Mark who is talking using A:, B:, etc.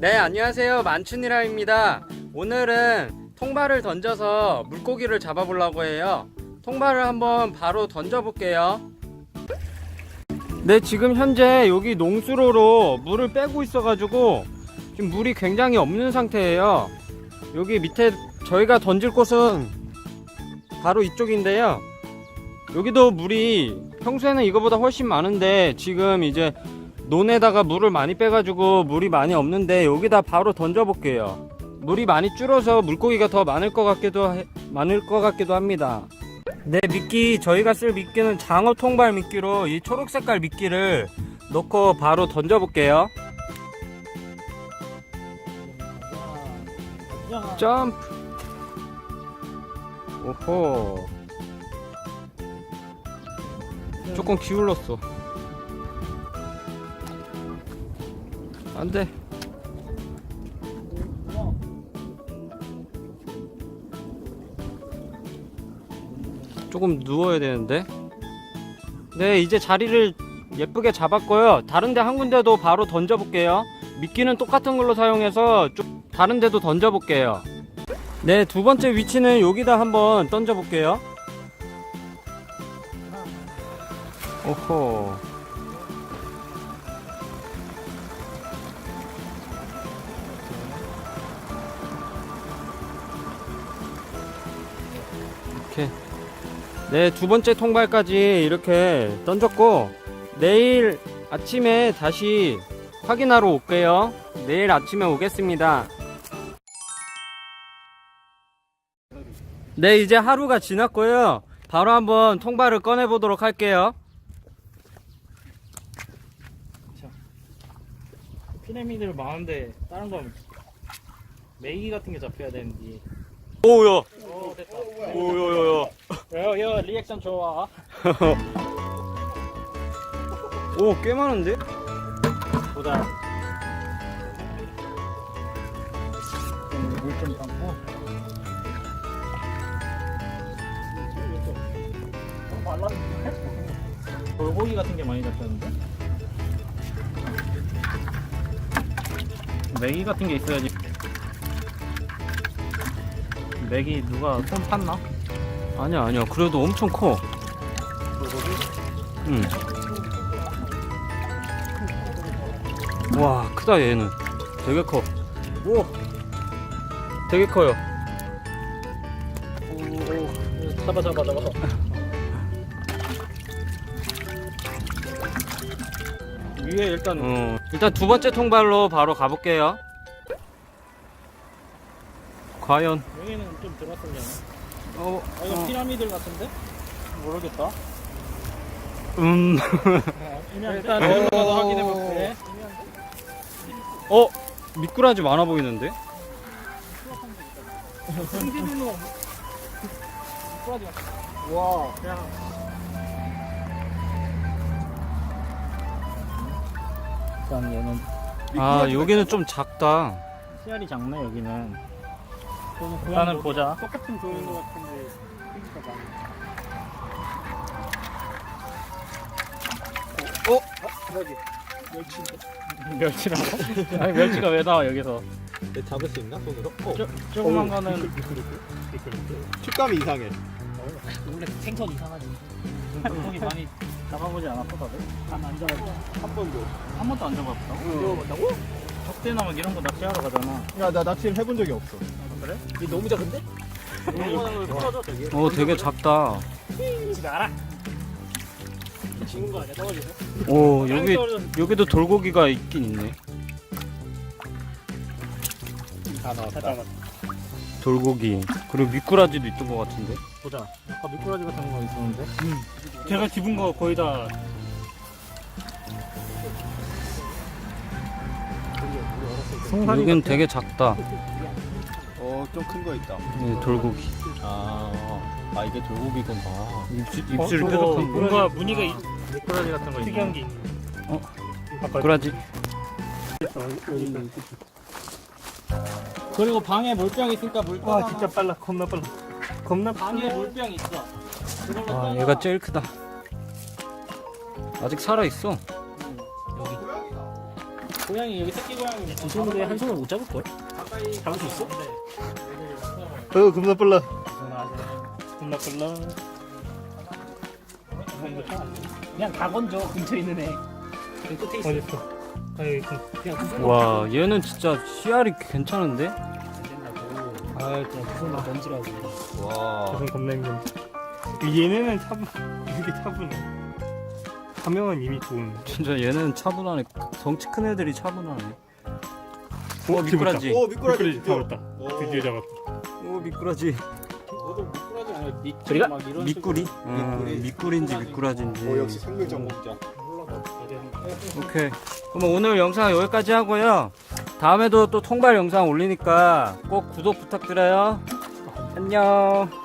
A: 네, 안녕하세요. 만춘이라입니다. 오늘은 통발을 던져서 물고기를 잡아보려고 해요. 통발을 한번 바로 던져볼게요. 네, 지금 현재 여기 농수로로 물을 빼고 있어가지고 지금 물이 굉장히 없는 상태예요. 여기 밑에 저희가 던질 곳은 바로 이쪽인데요. 여기도 물이 평소에는 이거보다 훨씬 많은데 지금 이제 논에다가 물을 많이 빼가지고 물이 많이 없는데 여기다 바로 던져볼게요. 물이 많이 줄어서 물고기가 더 많을 것 같기도 합니다. 네, 미끼, 저희가 쓸 미끼는 장어 통발 미끼로 이 초록색깔 미끼를 넣고 바로 던져볼게요. 점프. 오호, 조금 기울었어. 안돼. 조금 누워야 되는데. 네, 이제 자리를 예쁘게 잡았고요. 다른데 한 군데도 바로 던져볼게요. 미끼는 똑같은 걸로 사용해서 좀 다른 데도 던져볼게요. 네, 두 번째 위치는 여기다 한번 던져볼게요. 오호, 이렇게. 네, 두 번째 통발까지 이렇게 던졌고 내일 아침에 다시 확인하러 올게요. 내일 아침에 오겠습니다. 네, 이제 하루가 지났고요. 바로 한번 통발을 꺼내 보도록 할게요.
B: 피라미드를 많은데 다른 건 메기 같은 게 잡혀야 되는지.
A: 오야.
B: 오, 됐다.
A: 오야야야.
B: 야, 리액션 좋아.
A: 오, 꽤 많은데?
B: 보자. 물 좀 담고. 돌고기 같은 게 많이 잡혔는데? 메기 같은 게 있어야지. 메기 누가 손 팠나?
A: 아니야. 그래도 엄청 커.
B: 돌고기?
A: 응. 와, 크다 얘는. 되게 커. 오, 되게 커요.
B: 오, 잡아. 위에
A: 일단 두 번째 통발로 바로 가볼게요. 과연.
B: 여기는 좀 들어갔었잖아. 이거 피라미드 같은데? 모르겠다. 일단 들어가서 확인해볼게.
A: 미꾸라지 많아 보이는데?
B: 와. 일단 얘는
A: 아, 여기는 좀 작다.
B: 씨알이 작네 여기는. 일단은 보자.
C: 똑같은 종인 것 같은데 크기가 많아. 여기 멸치인데?
B: 멸치라고? 아니 멸치가 왜 나와 여기서?
C: 내 잡을 수 있나 손으로?
B: 조그만 거는
C: 식감이 이상해.
B: 원래 생선 이상하지. 물고기 많이 잡아보지 않았어 다들? 안 잡았어.
C: 한 번도.
B: 한 번도 안 잡아봤다고?
C: 먹어봤다고?
B: 적대나 막 이런 거 낚시하러 가잖아.
C: 야, 나 낚시를 해본 적이 없어.
B: 그래?
C: 이 너무 작은데? 풀어줘 되게.
A: 되게 작다.
B: 집에 알아?
C: 지는 거 아니야? 떨어지네.
A: 오, 여기도 돌고기가 있긴 있네.
C: 다 나왔다.
A: 돌고기. 그리고 미꾸라지도 있던 것 같은데.
B: 보자. 아까 미꾸라지 같은 거 있었는데. 제가 집은 거 거의 다.
A: 여긴 되게 작다.
C: 좀 큰 거 있다.
A: 네, 돌고기.
C: 아, 이게 돌고기구나.
A: 입술
B: 그거
A: 뾰족한 거.
B: 뭔가 무늬가 미꾸라지 같은 거 특이한 게 있네.
A: 미꾸라지.
B: 그리고 방에 물병 있으니까 물 떠.
C: 진짜 빨라. 겁나 빨라.
B: 겁나 방에 물병 있어. 그걸로
A: 아,
B: 떠서
A: 얘가 제일 크다. 아직 살아있어.
B: 여기. 고양이 여기 새끼 고양이 두 손으로 한 손으로 못 잡을 걸? 잡을 수 있어?
C: 겁나 빨라.
B: 겁나 빨라. 그냥 다 건져 근처에 있는 애. 여기 끝에 있어.
D: 어딨어? 아니
B: 그냥 두 손으로.
A: 와 얘는 진짜 씨알이 괜찮은데?
B: 안 된다고. 아 그냥 두 손으로 던지라고.
C: 와.
D: 저건 겁나 힘든. 얘네는 이렇게 차분해. 가명은 이미 좋은.
A: 진짜 얘는 차분하네. 덩치 큰 애들이 차분하네.
D: 오,
A: 미꾸라지.
C: 오 미꾸라지
D: 미꾸라지 잡았다.
C: 오.
D: 드디어 잡았다.
A: 오 미꾸라지.
C: 너도 미꾸라지 아니야?
B: 저리가?
C: 막 이런
A: 미꾸리?
C: 미꾸리.
A: 미꾸리인지 미꾸라지인지.
C: 역시 생물장 먹자.
A: 오케이. 그럼 오늘 영상 여기까지 하고요. 다음에도 또 통발 영상 올리니까 꼭 구독 부탁드려요. 안녕.